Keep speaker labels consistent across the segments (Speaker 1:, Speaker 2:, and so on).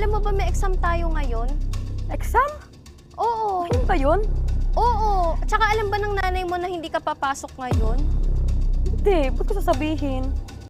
Speaker 1: alam mo ba may exam tayo ngayon?
Speaker 2: Exam?
Speaker 1: Oo.
Speaker 2: Ano ba yun?
Speaker 1: Oo. Tsaka alam ba ng nanay mo na hindi ka papasok ngayon?
Speaker 2: Hindi, ba't ko sasabihin?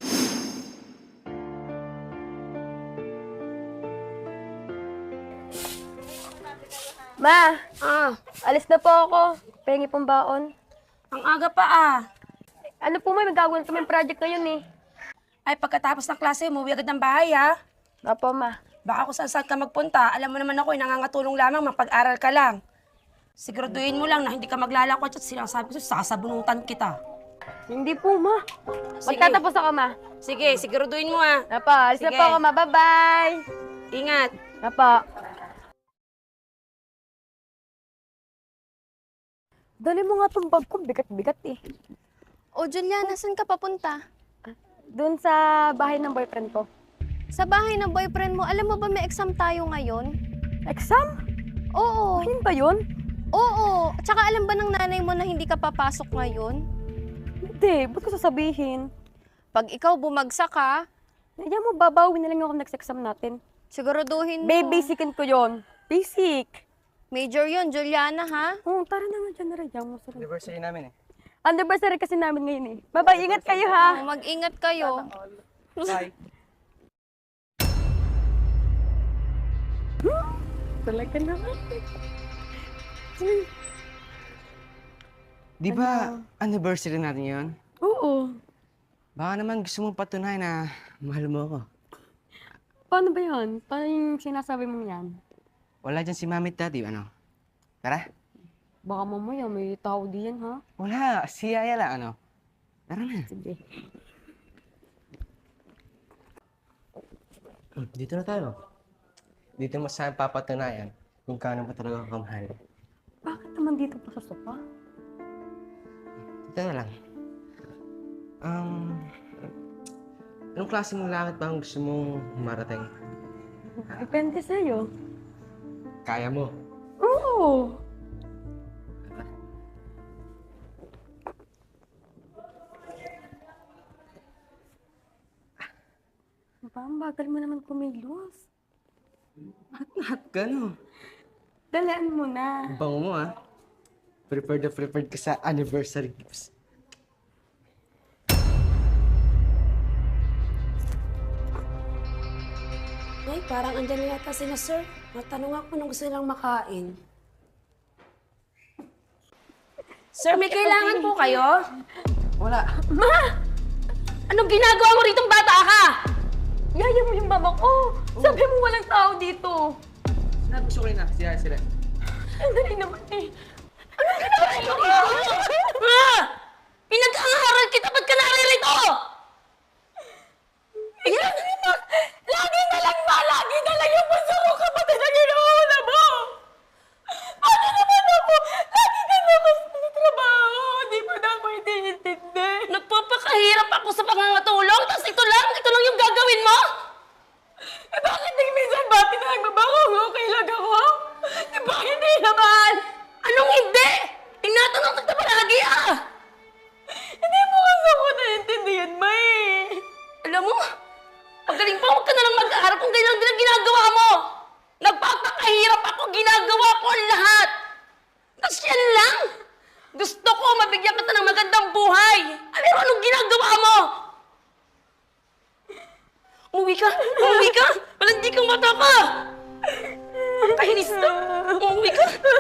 Speaker 2: Ma, alis na po ako. Pengi pong baon.
Speaker 3: Ang aga pa ah.
Speaker 2: Ano po may magagawin kami project ngayon eh.
Speaker 3: Ay, pagkatapos ng klase, umuwi agad ng bahay ah.
Speaker 2: Opo, ma.
Speaker 3: Baka kung saan ka magpunta, alam mo naman ako, nangangatulong lamang, mapag-aral ka lang. Siguraduhin mo lang na hindi ka maglalakot at sinasabi ko, sasabunutan kita.
Speaker 2: Hindi po, ma.
Speaker 3: Sige.
Speaker 2: Magtatapos ako, ma.
Speaker 3: Sige, siguraduhin mo ah.
Speaker 2: Opo, alis na
Speaker 3: Sige.
Speaker 2: po ako, ma. Bye-bye.
Speaker 3: Ingat.
Speaker 2: Opo. Dali mo nga itong bag ko, bigat-bigat eh.
Speaker 1: O Juliana, saan ka papunta?
Speaker 2: Doon sa bahay ng boyfriend ko.
Speaker 1: Sa bahay ng boyfriend mo, alam mo ba may exam tayo ngayon?
Speaker 2: Exam?
Speaker 1: Oo.
Speaker 2: Ayun ba yun?
Speaker 1: Oo. Tsaka alam ba ng nanay mo na hindi ka papasok ngayon?
Speaker 2: Hindi, ba't ko sasabihin?
Speaker 1: Pag ikaw bumagsak ka,
Speaker 2: Kaya mo, babawi na lang ako next exam natin.
Speaker 1: siguraduhin mo.
Speaker 2: Basicin ko yon. Basic.
Speaker 1: Major yun, Juliana, ha?
Speaker 2: Oo, tara na nga dyan na rin. Diyan mo sa
Speaker 4: Anniversary namin eh.
Speaker 2: Anniversary kasi namin ngayon eh. Bye-bye, ingat kayo ha.
Speaker 1: Mag-ingat kayo.
Speaker 4: Bye.
Speaker 2: Talaga naman.
Speaker 4: Di ba anniversary natin yun?
Speaker 2: Oo.
Speaker 4: Baka naman gusto mong patunayan na mahal mo ako.
Speaker 2: Paano ba yan? Paano yung sinasabi mong yan?
Speaker 4: Wala dyan si mami at daddy, ano? Tara.
Speaker 2: Baka mamaya may tao diyan ha?
Speaker 4: Wala, si Yaya lang, ano? Tara na.
Speaker 2: Sige.
Speaker 4: Dito na tayo. Dito mo saan papatunayan kung gaano pa talaga ako kamahal.
Speaker 2: Bakit naman dito pa sa sopa?
Speaker 4: Dito na lang. Anong klase mong langit ba ang gusto mong marating?
Speaker 2: Depende sa'yo.
Speaker 4: Kaya mo.
Speaker 2: Oo. Ba, ang bagal mo naman kumilos.
Speaker 4: Lahat gano.
Speaker 2: Dalaan mo na.
Speaker 4: Ang bango mo, ah. Prepared na prepared ka sa anniversary gifts.
Speaker 3: Ay, parang andyan na yata sila, sir. Matanong ako nung gusto nilang makain. Sir, may kailangan po kayo?
Speaker 4: Wala.
Speaker 3: Anong ginagawa mo rito, bata ka?
Speaker 2: Yaya mo yung mama ko. Sabi mo walang tao dito.
Speaker 4: Sinabi ko rin na, si Yaya sila.
Speaker 2: Ang dali naman eh.
Speaker 3: Pinag-aaral kita, ba't ka naririto?
Speaker 2: Lagi na lang ba? Lagi na lang yung puso ko kapatid na ginauna mo. Paano naman ako? Lagi ka naman sa trabaho. Hindi mo na ako iniintindi.
Speaker 3: Nagpapakahirap ako sa pangangatulong, tapos ito lang yung gagawin mo?
Speaker 2: Eh bakit minsan ba pinagbabago ko? Okay lang ako? Eh bakit hindi naman?
Speaker 3: Anong hindi? Tinatanong kita palagi ah!
Speaker 2: Hindi mo kasi ako naiintindihan, May.
Speaker 3: Alam mo, pagaling pa, huwag ka na lang mag-aaral kung ganyan din ang ginagawa mo. Nagpapakahirap ako, ginagawa ko ang lahat. Tapos yan lang. Gusto ko mabigyan kita ng magandang buhay. Pero anong ginagawa mo? Umuwi ka! Umuwi ka! Walang di kang mata ka! Ang kahinis na! Umuwi ka!